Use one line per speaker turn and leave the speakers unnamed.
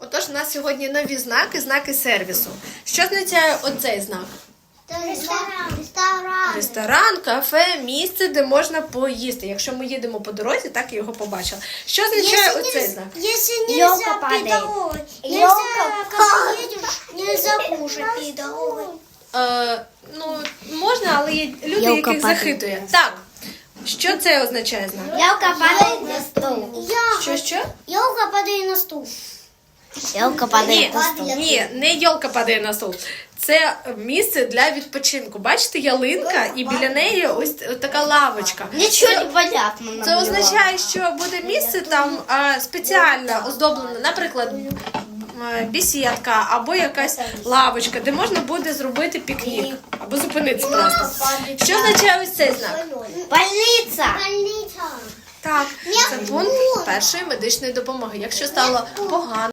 Отож, у нас сьогодні нові знаки, знаки сервісу. Що означає оцей знак?
Ресторан.
Ресторан, кафе, місце, де можна поїсти. Якщо ми їдемо по дорозі, так і його побачили. Що означає оцей знак?
Если
Ёлка
нельзя
падает.
педаловать,
Ёлка
когда едешь, нельзя кушать педаловать.
Ну, можна, але є люди,
Ёлка
яких
падає.
захитує. Так, що це означає знак?
Елка падает на стол.
Що?
Ёлка падает на стул.
Елка падает на стол.
Ні, не йолка падає на стол. Це місце для відпочинку. Бачите, ялинка і біля неї ось така лавочка.
Ничего не понятно.
Це означає, що буде місце там спеціально оздоблене, наприклад, бесідка або якась лавочка, де можна буде зробити пікнік або зупинитися просто. Що означає ось цей знак?
Больница.
Больница.
Так, це пункт першої медичної допомоги. Якщо стало погано,